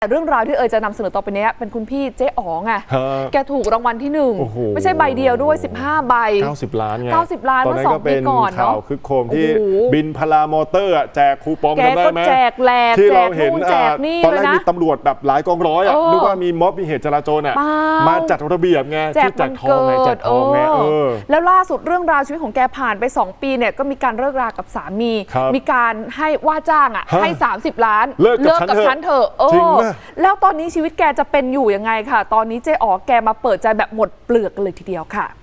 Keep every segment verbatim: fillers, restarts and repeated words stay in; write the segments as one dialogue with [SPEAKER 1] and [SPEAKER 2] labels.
[SPEAKER 1] แต่เรื่องราวที่เอ๋ยจะนำเสนอต่อไปนี้เป็นคุณพี่เจ๊อ๋อไงแกถูกรางวัลที่หนึ่งไม่ใช่ใบเดียวด้วยสิบห้าใบ
[SPEAKER 2] เก้าสิบล้านไง
[SPEAKER 1] เก้าสิบล้านเมื่อสองปีก่อนเนาะ
[SPEAKER 2] ข่าวคึกโครมที่บินพารามอเตอร์แจกคูปองกันได้ไหม
[SPEAKER 1] แจกแหลก
[SPEAKER 2] ที่เราเห็น
[SPEAKER 1] แจกนี่
[SPEAKER 2] ตอนแรกมีตำรวจแบบหลายกองร้อยอ่ะนึกว่ามีม็อบมีเหตุจราจรอ่ะมาจัดระเบียบไงที่แจกทองไงแจกทองไงเออ
[SPEAKER 1] แล้วล่าสุดเรื่องราวชีวิตของแกผ่านไปสองปีเนี่ยก็มีการเลิกรากับสามีมีการให้ว่าจ้างอ่ะให้สามสิบล้าน
[SPEAKER 2] เลิกกับฉันเถอะ
[SPEAKER 1] เออแล้วตอนนี้ชีวิตแกจะเป็นอยู่ยังไงค่ะตอนนี้เจ๊อ๋อแกมาเปิดใจแบบหมดเปลือกเลยทีเดียวค่ะ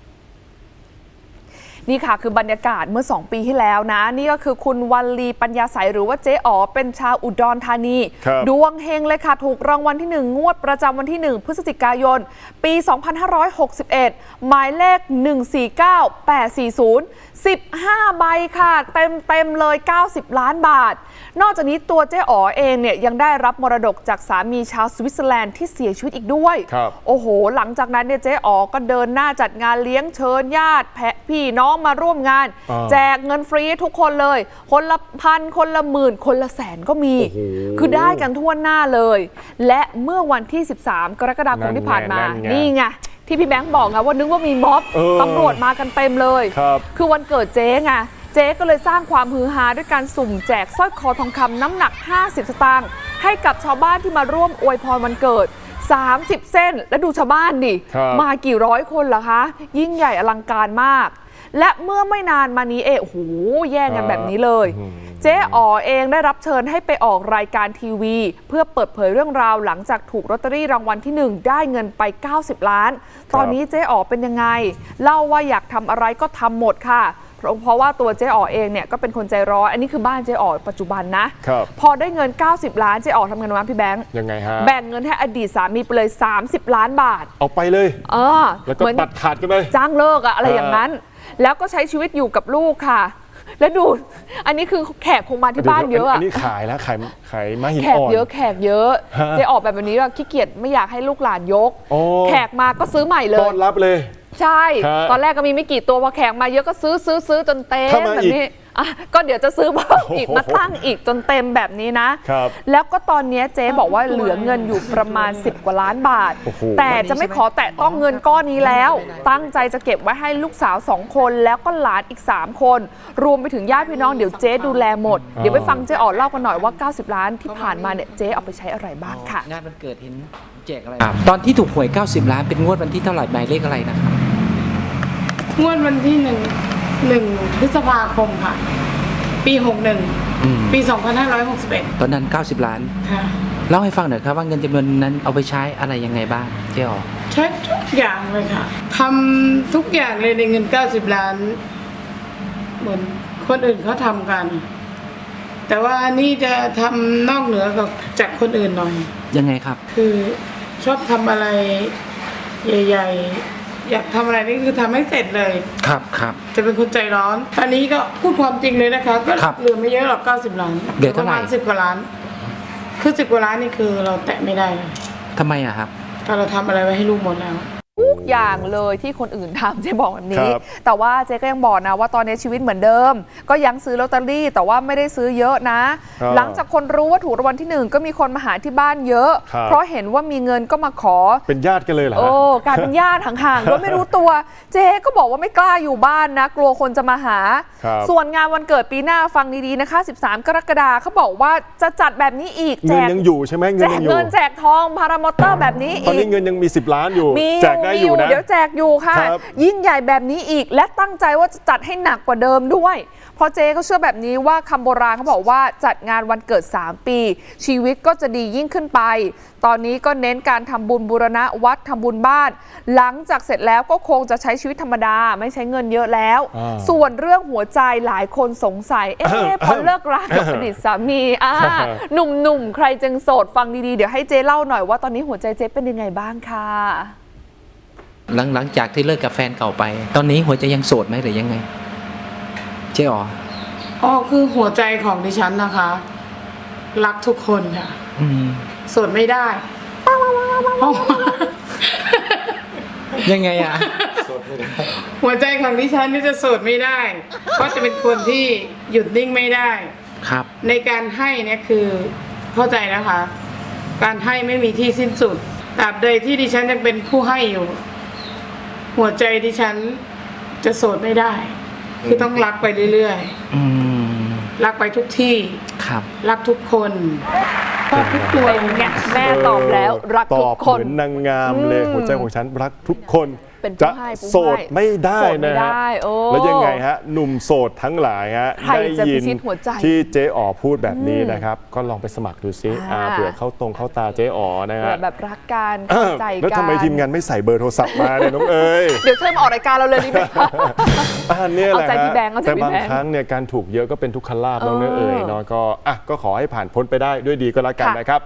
[SPEAKER 1] นี่ค่ะคือบรรยากาศเมื่อสองปีที่แล้วนะนี่ก็คือคุณวัลลีปัญญาใสหรือว่าเจ๊อ๋อเป็นชาวอุดรธานีดวงเฮงเลยค่ะถูกรางวัลที่หนึ่งงวดประจำวันที่หนึ่งพฤศจิกายนปีสองพันห้าร้อยหกสิบเอ็ดหมายเลขหนึ่ง สี่ เก้า แปด สี่ ศูนย์ สิบห้าใบค่ะเต็มเต็มเลยเก้าสิบล้านบาทนอกจากนี้ตัวเจ๊อ๋อเองเนี่ยยังได้รับมรดกจากสามีชาวสวิตเซอร์แลนด์ที่เสียชีวิตอีกด้วยโอ้โหหลังจากนั้นเนี่ยเจ๊อ๋อก็เดินหน้าจัดงานเลี้ยงเชิญญาติแพะพี่น้องมาร่วมงานแจกเงินฟรีทุกคนเลยคนละพันคนละหมื่นคนละแสนก็มีคือได้กันทั่วหน้าเลยและเมื่อวันที่สิบสามกรกฎาคมที่ผ่านมานี่ไงที่พี่แบงค์บอกไงว่านึกว่ามีม็อบตำรวจมากันเต็มเลยคือวันเกิดเจ๊ไงเจ๊ก็เลยสร้างความฮือฮาด้วยการสุ่มแจกสร้อยคอทองคำน้ำหนักห้าสิบสตางค์ให้กับชาวบ้านที่มาร่วมอวยพรวันเกิดสามสิบเส้นและดูชาวบ้านดิมากี่ร้อยคนเหรอคะยิ่งใหญ่อลังการมากและเมื่อไม่นานมานี้เองโอ้โหแย่งกันแบบนี้เลยเจ๊อ๋อเองได้รับเชิญให้ไปออกรายการทีวีเพื่อเปิดเผยเรื่องราวหลังจากถูกลอตเตอรี่รางวัลที่หนึ่งได้เงินไปเก้าสิบล้านตอนนี้เจ๊อ๋อเป็นยังไงเล่าว่าอยากทำอะไรก็ทำหมดค่ะเพราะว่าตัวเจ๊อ๋อเองเนี่ยก็เป็นคนใจร้อนอันนี้คือบ้านเจ๊อ๋อปัจจุบันนะพอได้เงินเก้าสิบล้านเจ๊อ๋อทำเงินวันพี่แบงค์
[SPEAKER 2] ยังไงฮะ
[SPEAKER 1] แบ่งเงินให้อดีตสามีไปเลยสามสิบล้านบาท
[SPEAKER 2] เอาไปเลย
[SPEAKER 1] เออ
[SPEAKER 2] แล้วก็ตัดขาดกันไป
[SPEAKER 1] จ้างเลิกอะอะไรอย่างนั้นแล้วก็ใช้ชีวิตอยู่กับลูกค่ะแล้วดูอันนี้คือแขกคงมาที่บ้านเยอะอะ
[SPEAKER 2] อันนี้ขายแล้วขายขายมาหินอ่อน
[SPEAKER 1] แขกเยอะแขกเยอะเจ๊ออกแบบนี้ว่าขี้เกียจไม่อยากให้ลูกหลานยกแขกมาก็ซื้อใหม่เลย
[SPEAKER 2] ต้อนรับเลย
[SPEAKER 1] ใช่ตอนแรกก็มีไม่กี่ตัวพอแขกมาเยอะก็ซื้อซื้อซื้อจนเต็มแบบนี้อ่ะก็เดี๋ยวจะซื้อเพิ่มอีกมาตั้งอีกจนเต็มแบบนี้นะแล้วก็ตอนนี้เจ๊บอกว่าเหลือเงินอยู่ประมาณสิบกว่าล้านบาทแต่จะไม่ขอแตะต้องเงินก้อนนี้แล้วตั้งใจจะเก็บไว้ให้ลูกสาวสองคนแล้วก็หลานอีกสามคนรวมไปถึงญาติพี่น้องเดี๋ยวเจ๊ดูแลหมดเดี๋ยวไปฟังเจ๊อ๋อเล่ากันหน่อยว่าเก้าสิบล้านที่ผ่านมาเนี่ยเจ๊เอาไปใช้อะไรบ้างค่ะ
[SPEAKER 3] งานวันเกิดเห็นแจกอะไรตอนที่ถูกหวยเก้าสิบล้านเป็นงวดวันที่เท่าไหร่หมายเลขอะไรนะครับ
[SPEAKER 4] งวดวันที่หนึ่งหนึ่งพฤษภาคมค่ะปีหกหนึ่งปีสองพันห้าร้อยหกสิบเอ็ด
[SPEAKER 3] ตอนนั้นเก้าสิบล้านค่ะเล่าให้ฟังหน่อยครับว่าเงินจำนวนนั้นเอาไปใช้อะไรยังไงบ้างเจ๊อ๋อ
[SPEAKER 4] ใช้ทุกอย่างเลยค่ะทำทุกอย่างเลยในเงินเก้าสิบล้านเหมือนคนอื่นเขาทำกันแต่ว่านี่จะทำนอกเหนือกับจากคนอื่นหน่อย
[SPEAKER 3] ยังไงครับ
[SPEAKER 4] คือชอบทำอะไรใหญ่ๆอยากทำอะไรนี่คือทำให้เสร็จเลย
[SPEAKER 3] ครับครับ
[SPEAKER 4] จะเป็นคนใจร้อนอันนี้ก็พูดความจริงเลยนะคะก็เหลือไม่เยอะหรอกเก้าสิบล้าน
[SPEAKER 3] เหลือเท่าไหร่
[SPEAKER 4] สิบกว่าล้านคือสิบกว่าล้านนี่คือเราแตะไม่ได้เลย
[SPEAKER 3] ทำไมอะครับ
[SPEAKER 4] ถ้าเราทำอะไรไว้ให้ลูกหมดแล้ว
[SPEAKER 1] ทุกอย่างเลยที่คนอื่นทำเจ๊บอกแบบนี้แต่ว่าเจ๊ก็ยังบอกนะว่าตอนนี้ชีวิตเหมือนเดิมก็ยังซื้อลอตเตอรี่แต่ว่าไม่ได้ซื้อเยอะนะหลังจากคนรู้ว่าถูกรางวัลที่หนึ่งก็มีคนมาหาที่บ้านเยอะเพราะเห็นว่ามีเงินก็มาขอ
[SPEAKER 2] เป็นญาติกันเลยเหรอ
[SPEAKER 1] โอ้กลายเป็นญาติห่างๆโดยไม่รู้ตัวเจ๊ก็บอกว่าไม่กล้าอยู่บ้านนะกลัวคนจะมาหาส่วนงานวันเกิดปีหน้าฟังดีๆนะคะสิบสามกรกฎาคมเขาบอกว่าจะจัดแบบนี้อีก
[SPEAKER 2] แจกเงินยังอยู่ใช่ไหม
[SPEAKER 1] เงินยังอยู่แจกเงินแจกทองพารามอเตอร์แบบนี้อีก
[SPEAKER 2] ตอนนี้เงินยังมีสิบล้านอยู่แจกได้อยู่นะ
[SPEAKER 1] เดี๋ยวแจกอยู่ค่ะยิ่งใหญ่แบบนี้อีกและตั้งใจว่าจะจัดให้หนักกว่าเดิมด้วยเพราะเจ๊เขาเชื่อแบบนี้ว่าคำโบราณเขาบอกว่าจัดงานวันเกิดสามปีชีวิตก็จะดียิ่งขึ้นไปตอนนี้ก็เน้นการทำบุญบูรณะวัดทำบุญบ้านหลังจากเสร็จแล้วก็คงจะใช้ชีวิตธรรมดาไม่ใช้เงินเยอะแล้วส่วนเรื่องหัวใจหลายคนสงสัยเอ๊ะพอเลิกรากับอดีตสามีอ่าหนุ่มๆใครจึงโสดฟังดีๆเดี๋ยวให้เจ๊เล่าหน่อยว่าตอนนี้หัวใจเจ๊เป็นยังไงบ้างค่ะ
[SPEAKER 3] หลังหลังจากที่เลิกกับแฟนเก่าไปตอนนี้หัวใจยังโสดไหมหรือยังไงเจ๊อ๋อ
[SPEAKER 4] อ๋อคือหัวใจของดิฉันนะคะรักทุกคนค่ะโสดไม่ได้
[SPEAKER 3] ยังไงอะ
[SPEAKER 4] หัวใจของดิฉันนี่จะโสดไม่ได้เพราะจะเป็นคนที่หยุดนิ่งไม่ได้
[SPEAKER 3] ครับ
[SPEAKER 4] ในการให้เนี่ยคือเข้าใจนะคะการให้ไม่มีที่สิ้นสุดตราบใดที่ดิฉันยังเป็นผู้ให้อยู่ หัวใจดิฉันจะโสดไม่ได้ คือต้องรักไปเรื่อย
[SPEAKER 3] อืม
[SPEAKER 4] ๆรักไปทุกที่
[SPEAKER 3] ครับ
[SPEAKER 4] รักทุกคนชอบทุกตัว
[SPEAKER 1] เป็นไงแม่ตอบแล้วรัก
[SPEAKER 2] ต
[SPEAKER 1] ทุ
[SPEAKER 2] อก บ
[SPEAKER 1] คน
[SPEAKER 2] เหมือนนางงามเลย
[SPEAKER 1] อืม
[SPEAKER 2] หัวใจของฉันรักทุกคน
[SPEAKER 1] เป็นผู้
[SPEAKER 2] จะ
[SPEAKER 1] ให้ผู้
[SPEAKER 2] โสด
[SPEAKER 1] ให้
[SPEAKER 2] ไม่ได้
[SPEAKER 1] โสดไม่
[SPEAKER 2] นะฮะ
[SPEAKER 1] ได้โอ้
[SPEAKER 2] แล้วยังไงฮะหนุ่มโสดทั้งหลายฮะ
[SPEAKER 1] ใครจะ
[SPEAKER 2] ได้ยิ
[SPEAKER 1] พิชิตหัวใจ
[SPEAKER 2] ที่เจ๊อ๋อพูดแบบนี้นะครับ ก็ลองไปสมัครดูซิ
[SPEAKER 1] อ่า
[SPEAKER 2] อ่าเผื่อเข้าตรงเข้าตาเจ๊อ๋อนะ
[SPEAKER 1] เผื่
[SPEAKER 2] ฮะ
[SPEAKER 1] อแบบรักกัน
[SPEAKER 2] เอ้
[SPEAKER 1] เข้า
[SPEAKER 2] อ
[SPEAKER 1] ใจกัน
[SPEAKER 2] แล้วทำไมทีมงานไม่ใส่เบอร์โทรศัพท์มาเนี่ยน้องเอ๋ย
[SPEAKER 1] เดี๋ยวเชิญมาออกรายการเราเลยดีไหมคะ
[SPEAKER 2] อันนี้แหละ
[SPEAKER 1] เอาใจ
[SPEAKER 2] ฮะ
[SPEAKER 1] พี่แบงค์เอาใจ
[SPEAKER 2] แต่
[SPEAKER 1] พี่
[SPEAKER 2] บาง
[SPEAKER 1] แบงค์
[SPEAKER 2] ครั้งเนี่ยการถูกเยอะก็เป็นทุกขลาภน้องเนย
[SPEAKER 1] เออ
[SPEAKER 2] เอ๋ยเนาะก็อ่ะก็ขอให้ผ่านพ้นไปได้ด้วยดีก็แล้วกัน
[SPEAKER 1] ค่ะ
[SPEAKER 2] นะครับ